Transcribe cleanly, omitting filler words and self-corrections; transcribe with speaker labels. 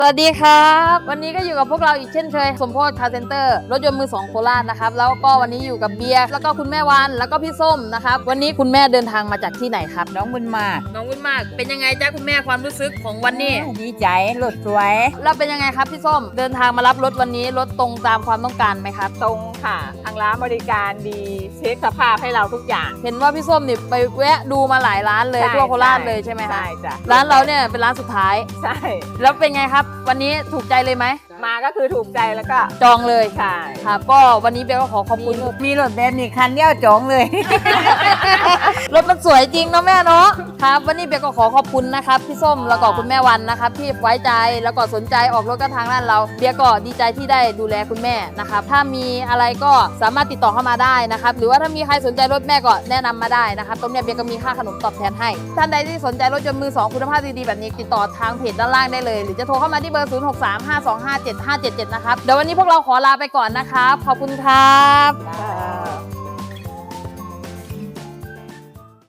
Speaker 1: สวัสดีครับวันนี้ก็อยู่กับพวกเราอีกเช่นเคยสมโพธิคาร์เซ็นเตอร์รถยนต์มือสองโคราชนะครับแล้วก็วันนี้อยู่กับเบียร์แล้วก็คุณแม่วันแล้วก็พี่ส้มนะครับวันนี้คุณแม่เดินทางมาจากที่ไหนครับ
Speaker 2: น้องบุญมาก
Speaker 1: น้องวุ้นมากเป็นยังไงจ้าคุณแม่ความรู้สึกของวันนี้
Speaker 2: ดีใจรถสวย
Speaker 1: แล้วเป็นยังไงครับพี่ส้มเดินทางมารับรถวันนี้รถตรงตามความต้องการไหมครับ
Speaker 2: ตรงค่ะทางร้านบริการดีเช็คสภาพให้เราทุกอย่าง
Speaker 1: เห็นว่าพี่ส้มนี่ไปแวะดูมาหลายร้านเลย
Speaker 2: ใช่
Speaker 1: ทั่วโคราชเลยใช่ไหมครับ
Speaker 2: ใช่จ้ะ
Speaker 1: ร้านเราเนี่ยเป็นร้านสุดท้าย
Speaker 2: ใช่
Speaker 1: แล้วเป็นไงครับ วันนี้ถูกใจเลยไหม
Speaker 2: มาก็คือถูกใจแล้วก็
Speaker 1: จองเลย
Speaker 2: ใช่
Speaker 1: ครับก็วันนี้เบียร์ก็ขอขอบคุณ
Speaker 2: มีรถแบบนี้คันเดียวจองเลย
Speaker 1: รถมันสวยจริงเนาะแม่เนาะครับวันนี้เบียร์ก็ขอขอบคุณนะครับพี่ส้มแล้วก็คุณแม่วันนะครับที่ไว้ใจแล้วก็สนใจออกรถกับทางร้านเราเบียร์ก็ดีใจที่ได้ดูแลคุณแม่นะครับถ้ามีอะไรก็สามารถติดต่อเข้ามาได้นะครับหรือว่าถ้ามีใครสนใจรถแม่ก็แนะนำมาได้นะครับตรงเนี้ยเบียร์ก็มีค่าขนมตอบแทนให้ท่านใดที่สนใจรถยนต์มือสองคุณภาพดีๆแบบนี้ติดต่อทางเพจด้านล่างได้เลยหรือจะโทรเข้ามาที่เบอร์ 0635257577 นะครับเดี๋ยววันนี้พวกเราขอลาไปก่อนนะครับขอบคุณครับ
Speaker 2: ค่ะ